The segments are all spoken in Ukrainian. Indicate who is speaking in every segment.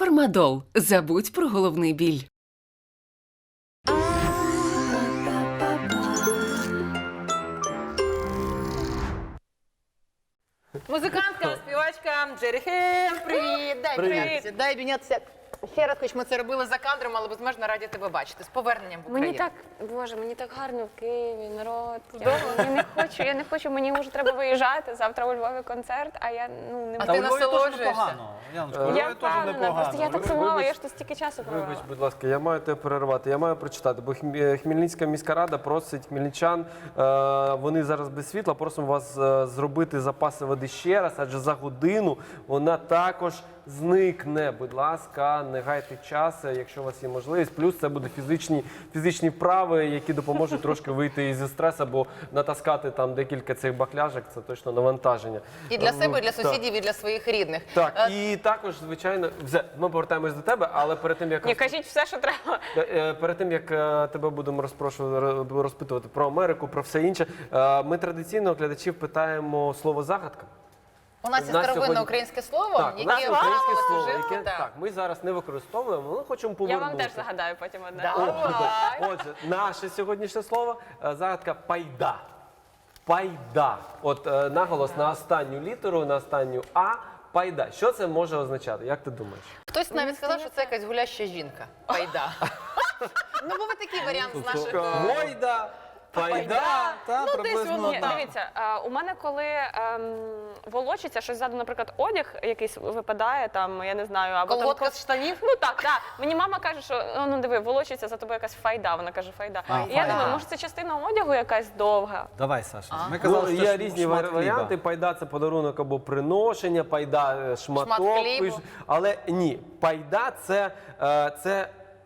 Speaker 1: Фармадол. Забудь про головний біль.
Speaker 2: Музикантка, співачка Джері Хейл. Привіт, дай привіт. Дай обійнятися. Ще раз, хоч ми це робили за кадром, але безмежно раді тебе бачити. З поверненням в Україну.
Speaker 3: Мені так, Боже, мені так гарно в Києві, народ. Я не хочу, мені вже треба виїжджати. Завтра у Львові концерт, а я не
Speaker 2: А
Speaker 3: можу.
Speaker 2: ти насолоджуєшся?
Speaker 4: Яночко,
Speaker 3: Я
Speaker 4: теж
Speaker 3: впевнена,
Speaker 4: непогано.
Speaker 3: просто я так сумувала, я ж тут стільки часу провела.
Speaker 5: Вибач, будь ласка, я маю тебе перервати, я маю прочитати, бо Хмельницька міська рада просить хмельничан, вони зараз без світла, просимо вас зробити запаси води ще раз, адже за годину вона також зникне. Будь ласка, не гайте час, якщо у вас є можливість. Плюс це буде фізичні вправи, які допоможуть трошки вийти із стресу, бо натаскати там декілька цих бакляжок – це точно навантаження.
Speaker 2: І для себе, і для
Speaker 5: Так.
Speaker 2: сусідів, і для своїх рідних.
Speaker 5: Так, і також, звичайно, ми повертаємось до тебе, але перед тим, як...
Speaker 3: Ні, кажіть все, що треба.
Speaker 5: Перед тим, як тебе будемо розпитувати про Америку, про все інше, ми традиційно глядачів питаємо слово «загадка».
Speaker 2: У нас є
Speaker 5: нас
Speaker 2: старовинне
Speaker 5: сьогодні-
Speaker 2: українське слово,
Speaker 5: Так, у нас є
Speaker 2: яке
Speaker 5: українське
Speaker 2: вживалося
Speaker 5: слово,
Speaker 2: вживку,
Speaker 5: яке
Speaker 2: так.
Speaker 5: ми зараз не використовуємо, але хочемо
Speaker 3: Я
Speaker 5: повернути.
Speaker 3: вам теж загадаю потім одне.
Speaker 2: Давай.
Speaker 5: Отже, наше сьогоднішнє слово загадка «пайда». Пайда. От наголос на останню літеру, на останню «а». Пайда. Що це може означати? Як ти думаєш?
Speaker 2: Хтось навіть сказав, що це якась гуляща жінка. Пайда. Ну, був і такий варіант з наших...
Speaker 4: Гойда, пайда, та
Speaker 2: Ну, десь
Speaker 4: приблизно
Speaker 2: воно
Speaker 3: Ні,
Speaker 4: так.
Speaker 3: дивіться, у мене коли волочиться, щось ззаду, наприклад, одяг якийсь випадає, там, я не знаю, або
Speaker 2: Колготка
Speaker 3: там...
Speaker 2: з штанів?
Speaker 3: Ну так. Мені мама каже, що ну диви, волочиться за тобою якась файда. Вона каже, файда.
Speaker 4: А,
Speaker 3: І я
Speaker 4: файда.
Speaker 3: думаю, може це частина одягу якась довга.
Speaker 4: Давай, Саша. Ми
Speaker 5: Ну,
Speaker 4: казали, що
Speaker 5: є
Speaker 4: це
Speaker 5: різні
Speaker 4: шмат
Speaker 5: варіанти.
Speaker 4: хліба.
Speaker 5: Пайда – це подарунок або приношення, пайда шматок.
Speaker 2: хлібу.
Speaker 5: Але ні, пайда – це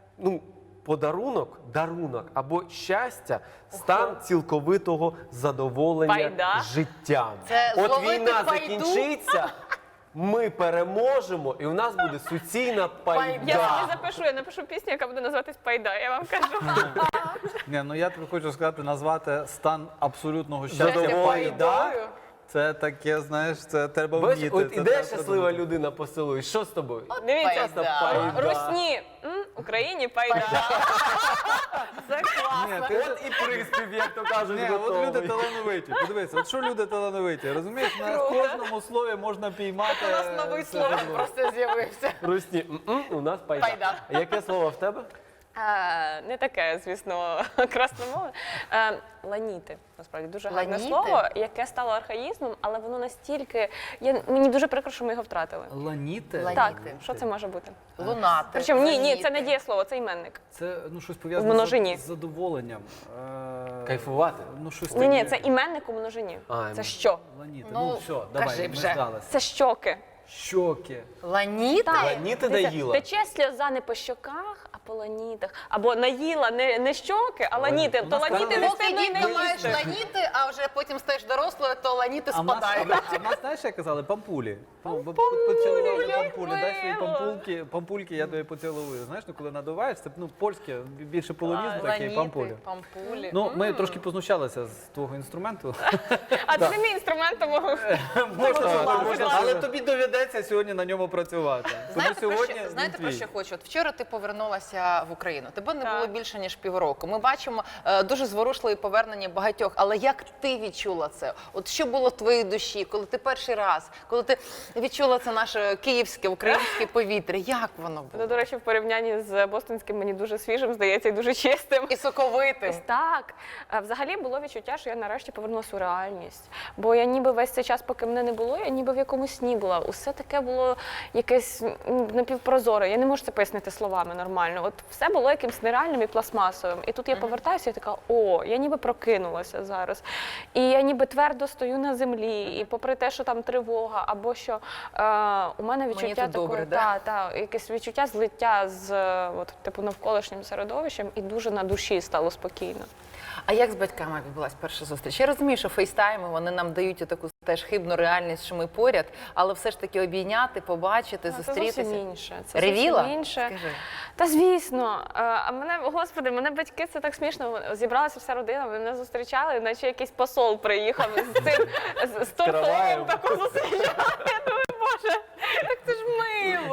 Speaker 5: подарунок, дарунок або щастя, стан цілковитого задоволення
Speaker 3: Пайда?
Speaker 5: життям.
Speaker 2: Це
Speaker 5: От
Speaker 2: зловити
Speaker 5: війна
Speaker 2: пайду?
Speaker 5: закінчиться, ми переможемо, і у нас буде суцільна пайда.
Speaker 3: Я напишу пісню, яка буде називатись Пайда. Я вам кажу.
Speaker 4: Ні, ну я тобі хочу сказати, назвати стан абсолютного щастя
Speaker 5: Задоволення.
Speaker 4: пайда. Це таке, знаєш, це треба
Speaker 5: Бачиш,
Speaker 4: вміти.
Speaker 5: от
Speaker 4: це
Speaker 5: іде
Speaker 4: треба
Speaker 5: щаслива
Speaker 4: придумати.
Speaker 5: людина по селу, і що з тобою?
Speaker 3: Дивіться,
Speaker 2: Пайда.
Speaker 3: Русні, Україні Пайда. Це класно.
Speaker 4: Ні, ти-
Speaker 5: От і приспів, як то кажуть,
Speaker 4: Ні, от
Speaker 5: готовий.
Speaker 4: люди талановиті. Подивися, от що люди талановиті, розумієш? На кожному слові можна піймати.
Speaker 2: У нас новий
Speaker 4: це
Speaker 2: слово
Speaker 4: житло.
Speaker 2: просто з'явився.
Speaker 5: Русні, у нас пайда.
Speaker 2: Пайда.
Speaker 5: А яке слово в тебе?
Speaker 3: Не таке, звісно, красномовне. Ланіти, насправді, дуже гарне
Speaker 2: Ланіти?
Speaker 3: слово, яке стало архаїзмом, але воно настільки... Мені дуже прикро, що ми його втратили.
Speaker 4: Ланіти?
Speaker 2: Ланіти.
Speaker 3: Так, що це може бути?
Speaker 2: Лунати.
Speaker 3: Причому, ні, це не
Speaker 2: ланіти.
Speaker 3: дієслово, це іменник.
Speaker 4: Це щось
Speaker 3: В
Speaker 4: пов'язане
Speaker 3: множині.
Speaker 4: з задоволенням.
Speaker 5: Кайфувати?
Speaker 4: Ну, щось
Speaker 3: Ні,
Speaker 4: таке.
Speaker 3: це іменник у множині.
Speaker 5: А,
Speaker 3: Це що?
Speaker 4: Ланіти.
Speaker 2: Ну,
Speaker 4: Ну, все, давай,
Speaker 2: кажи
Speaker 4: ми
Speaker 2: вже.
Speaker 4: здалися.
Speaker 3: Це щоки.
Speaker 4: Щоки.
Speaker 2: Ланіти?
Speaker 5: Ланіти наїла.
Speaker 3: Тече сльоза не по щоках, а по ланітах. Або наїла не щоки, а ланіти. То ланіти не
Speaker 2: Поки
Speaker 3: стидно й
Speaker 2: дітка
Speaker 3: не
Speaker 2: маєш
Speaker 3: їсти.
Speaker 2: ланіти, а вже потім стаєш дорослою, то ланіти
Speaker 4: А в нас,
Speaker 2: спадають.
Speaker 4: а в нас, знаєш, як казали? Пампулі. Поцілували
Speaker 3: як
Speaker 4: пампулі. Дай свої
Speaker 3: мило.
Speaker 4: пампульки, я тобі поцілую. Знаєш, ну коли надуваєш, це польське, більше полонізм такий,
Speaker 2: Ланіти,
Speaker 4: пампулі.
Speaker 2: пампулі.
Speaker 4: Ну, ми трошки познущалися з твого інструменту.
Speaker 3: А це не мій інструмент, тому...
Speaker 4: Але тобі доведеться сьогодні на ньому працювати. Тому сьогодні він
Speaker 2: Знаєте, про
Speaker 4: твій.
Speaker 2: що хочу? От вчора ти повернулася в Україну. Тебе не
Speaker 3: Так.
Speaker 2: було більше, ніж півроку. Ми бачимо дуже зворушливі повернення багатьох. Але як ти відчула це? От що було в твоїй душі, коли ти перший раз, коли ти відчула це наше київське, українське повітря? Як воно
Speaker 3: Ну,
Speaker 2: було?
Speaker 3: до речі, в порівнянні з бостонським мені дуже свіжим, здається, і дуже чистим.
Speaker 2: І соковитим.
Speaker 3: Так, взагалі було відчуття, що я нарешті повернулася у реальність. Бо я ніби весь цей час, поки мене не було, я ніби в якомусь сні була. Усе таке було якесь напівпрозоре. Я не можу це пояснити словами нормально. От все було якимось нереальним і пластмасовим. І тут я повертаюся і така, я ніби прокинулася зараз. І я ніби твердо стою на землі. І попри те, що там тривога, або що у мене відчуття
Speaker 2: тут добре,
Speaker 3: такої,
Speaker 2: да?
Speaker 3: якесь відчуття злиття з типу навколишнім середовищем, і дуже на душі стало спокійно.
Speaker 2: А як з батьками відбулася перша зустріч? Я розумію, що фейстайми, вони нам дають таку теж хибну реальність, що ми поряд, але все ж таки обійняти, побачити,
Speaker 3: Це
Speaker 2: зустрітися.
Speaker 3: зовсім інше. Це
Speaker 2: Ревіла?
Speaker 3: зовсім інше.
Speaker 2: Скажи.
Speaker 3: Та звісно. А мене, господи, мене батьки, це так смішно. Зібралася вся родина, мене зустрічали, наче якийсь посол приїхав з цим з торфом таку зустрічали. Я думаю, Боже, так це ж мило. Це дуже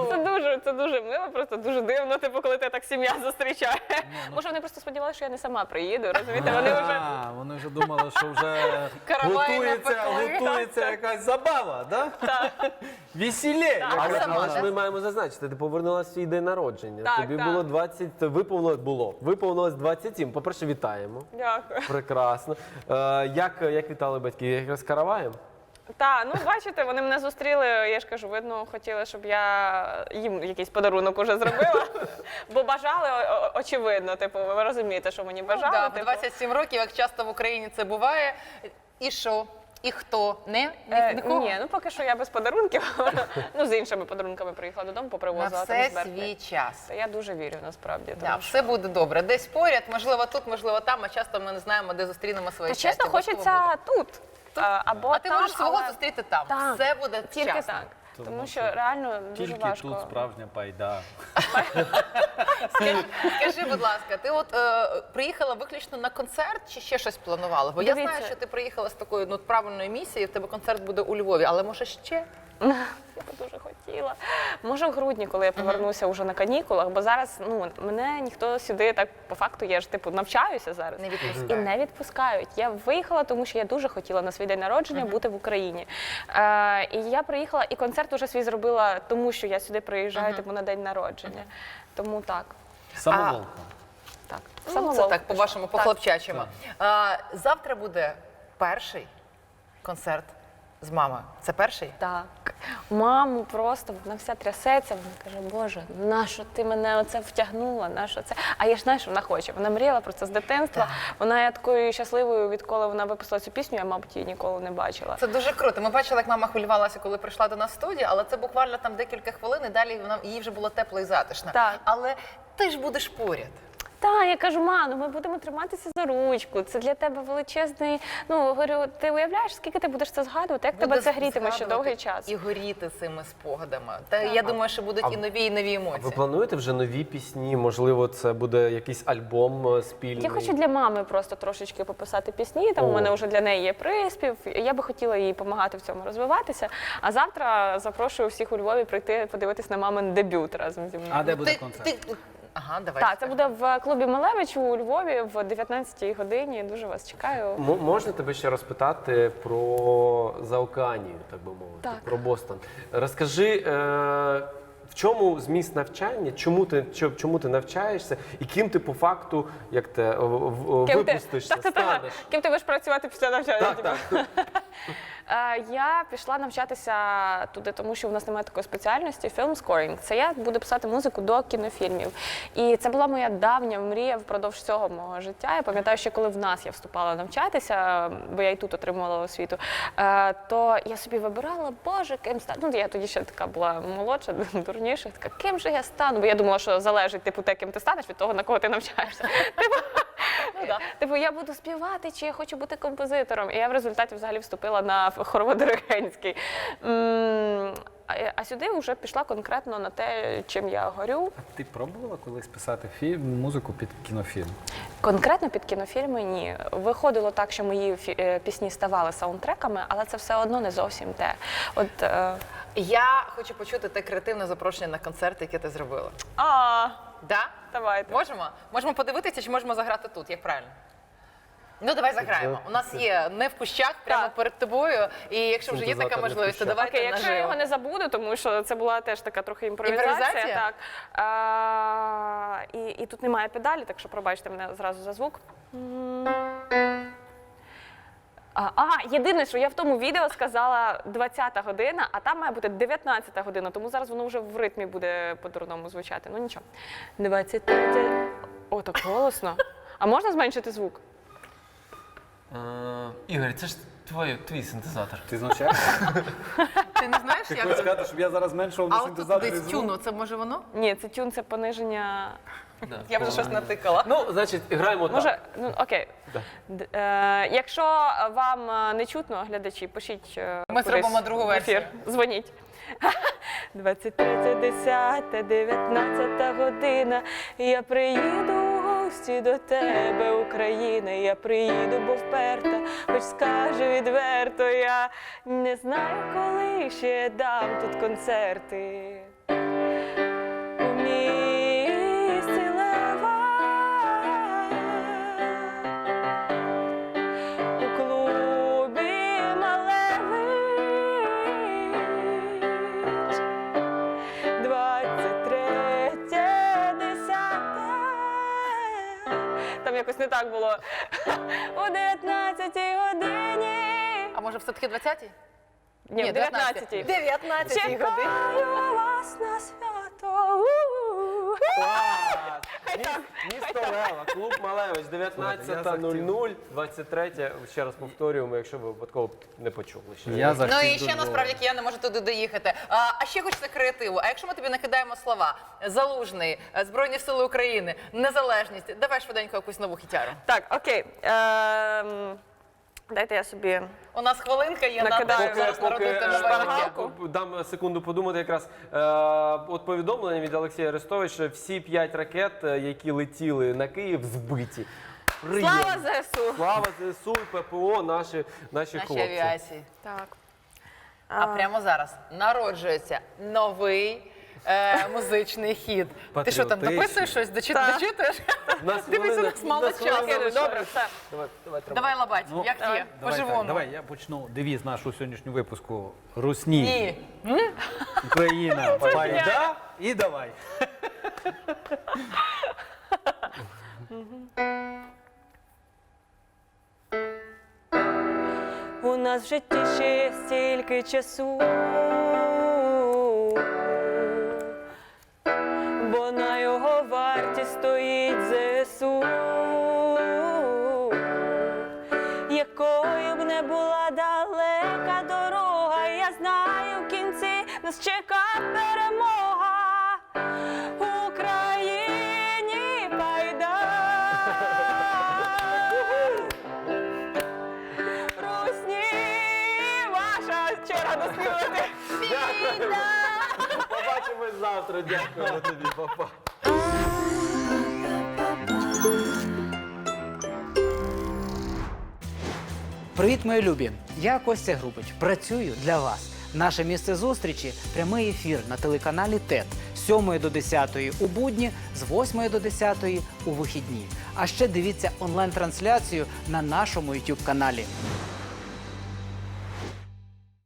Speaker 3: це дуже мило, просто дуже дивно, типу, коли ти так сім'я зустрічає. Може, вони просто сподівалися, що я не сама приїду, розумієте?
Speaker 4: Вони вже думали, що вже
Speaker 2: Каравай
Speaker 4: готується якась забава, да? Весілє.
Speaker 5: Але ж ми маємо зазначити, ти повернулася в свій день народження.
Speaker 3: Так,
Speaker 5: Тобі
Speaker 3: так.
Speaker 5: було 20, виповнилось 27. По-перше, вітаємо.
Speaker 3: Дякую.
Speaker 5: Прекрасно. Як вітали батьки? Як з караваєм?
Speaker 3: Так, ну бачите, вони мене зустріли, я ж кажу, видно, хотіли, щоб я їм якийсь подарунок уже зробила, бо бажали, очевидно, типу, ви розумієте, що мені бажали.
Speaker 2: Да, в
Speaker 3: типу.
Speaker 2: 27 років, як часто в Україні це буває. І що? І хто? Нікого?
Speaker 3: Ні, ну поки що я без подарунків, ну з іншими подарунками приїхала додому,
Speaker 2: На
Speaker 3: попривозила там
Speaker 2: все
Speaker 3: з Берклі.
Speaker 2: свій час.
Speaker 3: Та я дуже вірю, насправді.
Speaker 2: Да,
Speaker 3: тому що-
Speaker 2: все буде добре. Десь поряд, можливо тут, можливо там, а часто ми не знаємо, де зустрінемо своє
Speaker 3: Та
Speaker 2: щастя.
Speaker 3: чесно,
Speaker 2: Обов'язково буде.
Speaker 3: хочеться тут. Або
Speaker 2: А ти
Speaker 3: там,
Speaker 2: можеш свого
Speaker 3: але
Speaker 2: зустріти там.
Speaker 3: Так.
Speaker 2: Все буде
Speaker 3: тільки
Speaker 2: вчасно.
Speaker 3: так. Тому що реально дуже
Speaker 4: Тільки
Speaker 3: важко.
Speaker 4: тут справжня пайда.
Speaker 2: Скажи, будь ласка, ти от приїхала виключно на концерт чи ще щось планувала? Бо я
Speaker 3: Дивіться.
Speaker 2: знаю, що ти приїхала з такою правильною місією, в тебе концерт буде у Львові, але може ще?
Speaker 3: Я би дуже хотіла. Може, в грудні, коли я повернуся вже на канікулах, бо зараз мене ніхто сюди так по факту, я ж типу навчаюся зараз.
Speaker 2: Не відпускають.
Speaker 3: І не відпускають. Я виїхала, тому що я дуже хотіла на свій день народження бути в Україні. І я приїхала, і концерт уже свій зробила, тому що я сюди приїжджаю типу, на день народження. Тому так.
Speaker 4: Самоволка.
Speaker 3: Так.
Speaker 2: Ну,
Speaker 3: Самовол
Speaker 2: це так,
Speaker 3: пішла.
Speaker 2: по-вашому,
Speaker 3: Так.
Speaker 2: по-хлопчачому. Завтра буде перший концерт з мамою. Це перший?
Speaker 3: Так. Маму просто, вона вся трясеться, вона каже, Боже, нащо ти мене оце втягнула, нащо це? А я ж знаю, що вона хоче. Вона мріяла про це з дитинства. Вона є такою щасливою, відколи вона випустила цю пісню, я, мабуть, її ніколи не бачила.
Speaker 2: Це дуже круто. Ми бачили, як мама хвилювалася, коли прийшла до нас в студію, але це буквально там декілька хвилин, і далі їй вже було тепло і затишно.
Speaker 3: Так.
Speaker 2: Але ти ж будеш поряд.
Speaker 3: Так, я кажу, ну ми будемо триматися за ручку. Це для тебе величезний. Ну, говорю, ти уявляєш, скільки ти будеш це згадувати? Як тебе
Speaker 2: Буде
Speaker 3: це грітиме ще
Speaker 2: згадувати
Speaker 3: довгий час?
Speaker 2: І горіти цими спогадами. Та я думаю, що будуть і нові
Speaker 5: Ви
Speaker 2: емоції.
Speaker 5: плануєте вже нові пісні? Можливо, це буде якийсь альбом спільний?
Speaker 3: Я хочу для мами просто трошечки пописати пісні. Там у мене вже для неї є приспів. Я би хотіла їй допомагати в цьому розвиватися. А завтра запрошую всіх у Львові прийти подивитись на мамин дебют разом зі мною.
Speaker 4: А де буде концерт?
Speaker 2: Ага, давай.
Speaker 3: Так, це буде в клубі Малевич у Львові в 19-й годині. Дуже вас чекаю.
Speaker 5: Можна тебе ще розпитати про Заокеанію, так би мовити,
Speaker 3: Так.
Speaker 5: про Бостон. Розкажи, в чому зміст навчання, чому ти навчаєшся і ким ти по факту, як те, випустишся, станеш?
Speaker 3: Ким ти будеш працювати після навчання?
Speaker 5: Так, так.
Speaker 3: Я пішла навчатися туди, тому що в нас немає такої спеціальності фільм-скорінг. Це я буду писати музику до кінофільмів. І це була моя давня мрія впродовж всього мого життя. Я пам'ятаю, що коли в нас я вступала навчатися, бо я і тут отримувала освіту, то я собі вибирала, Боже, ким стати. Ну, я тоді ще така була молодша, дурніша, така, ким же я стану? Бо я думала, що залежить типу те, ким ти станеш, від того, на кого ти навчаєшся. Типу, я буду співати, чи я хочу бути композитором. І я в результаті взагалі вступила на хороводиригентський. А сюди вже пішла конкретно на те, чим я горю.
Speaker 4: А ти пробувала колись писати музику під кінофільм?
Speaker 3: Конкретно під кінофільми ні. Виходило так, що мої пісні ставали саундтреками, але це все одно не зовсім те.
Speaker 2: Я хочу почути те креативне запрошення на концерт, яке ти зробила. Да?
Speaker 3: Давайте.
Speaker 2: Можемо? Можемо подивитися, чи можемо заграти тут, як правильно? Ну, давай заграємо. У нас є не в кущах, прямо
Speaker 3: Так.
Speaker 2: перед тобою. І якщо вже є така
Speaker 5: Синтезатор не в
Speaker 2: можливість, то
Speaker 5: кущах.
Speaker 2: давайте
Speaker 3: Окей, якщо я
Speaker 2: наживо.
Speaker 3: його не забуду, тому що це була теж така трохи імпровізація.
Speaker 2: Імпровізація?
Speaker 3: Так. І тут немає педалі, так що пробачте мене зразу за звук. Єдине, що я в тому відео сказала 20-та година, а там має бути 19-та година, тому зараз воно вже в ритмі буде по-дурному звучати. Ну нічого. 23. О, так голосно. А можна зменшити звук?
Speaker 5: Ігор, це ж твій синтезатор.
Speaker 4: Ти знущаєшся?
Speaker 2: Ти не знаєш,
Speaker 4: Ти хочеш
Speaker 2: як?
Speaker 4: сказати, щоб я зараз зменшував на
Speaker 2: А от тут
Speaker 4: синтезаторі
Speaker 2: десь
Speaker 4: звук?
Speaker 2: тюну, це може воно?
Speaker 3: Ні, це тюн, це пониження.
Speaker 2: Я вже щось натикала.
Speaker 5: Ну, значить, граємо так.
Speaker 3: Може, ну окей. Якщо вам не чутно, глядачі, пишіть.
Speaker 2: Ми
Speaker 3: кудись
Speaker 2: зробимо другу
Speaker 3: в ефір.
Speaker 2: версію.
Speaker 3: Дзвоніть. 23:10, 19 година. Я приїду у гості до тебе, Україна. Я приїду, бо вперта, хоч скажу відверто, я не знаю, коли ще дам тут концерти. якось не так було. О 19-й годині.
Speaker 2: А може все-таки 20-й?
Speaker 3: Ні, в 19-й.
Speaker 2: 19-й годині.
Speaker 3: Чекаю вас на свято. У-у-у.
Speaker 5: Місто Лева, клуб Малевич, 19:00, 23, ще раз повторюємо, якщо ви випадково не почули. ще.
Speaker 4: Я за
Speaker 2: Ну і
Speaker 4: всіх
Speaker 2: ще
Speaker 4: дуже
Speaker 2: насправді я не можу туди доїхати. А ще хочеться креативу. А якщо ми тобі накидаємо слова Залужний, Збройні Сили України, Незалежність, давай швиденько якусь нову хітяру.
Speaker 3: Так, окей. Дайте я собі.
Speaker 2: У нас хвилинка є на те,
Speaker 3: Накидаю.
Speaker 2: щоб зараз народити нове
Speaker 3: шпаргалку.
Speaker 2: життя.
Speaker 5: Дам секунду подумати якраз. От повідомлення від Олексія Арестовича, всі 5 ракет, які летіли на Київ, збиті.
Speaker 3: Слава ЗСУ!
Speaker 5: Слава ЗСУ і ППО, наші
Speaker 2: Наші
Speaker 5: хлопці.
Speaker 2: авіації.
Speaker 3: Так.
Speaker 2: А прямо зараз народжується новий музичний хіт. Ти що там
Speaker 4: Патріотичний.
Speaker 2: дописуєш щось?
Speaker 3: Так.
Speaker 2: Дочитуєш?
Speaker 5: У нас
Speaker 2: Дивись, у
Speaker 5: хвилина-
Speaker 2: нас мало
Speaker 5: у нас хвилина
Speaker 2: часу.
Speaker 5: лишається.
Speaker 3: Добре, все.
Speaker 5: Давай, тримай.
Speaker 2: Давай, Лабать,
Speaker 4: Ну,
Speaker 2: як є? По-живому.
Speaker 4: Давай, я почну девіз нашого сьогоднішнього випуску. Русні,
Speaker 2: Ні.
Speaker 4: Україна, пайда і давай.
Speaker 3: У нас в житті ще є стільки часу, бо на його варті стоїть ЗСУ. Якою б не була далека дорога, я знаю, в кінці нас чека перемога. Україні пайда. Русні, ваша черга доспівати.
Speaker 5: Побачимось завтра. Дякуємо тобі, папа.
Speaker 6: Привіт, мої любі! Я Костя Грубич. Працюю для вас. Наше місце зустрічі – прямий ефір на телеканалі ТЕТ з 7 до 10 у будні, з 8 до 10 у вихідні. А ще дивіться онлайн-трансляцію на нашому YouTube-каналі.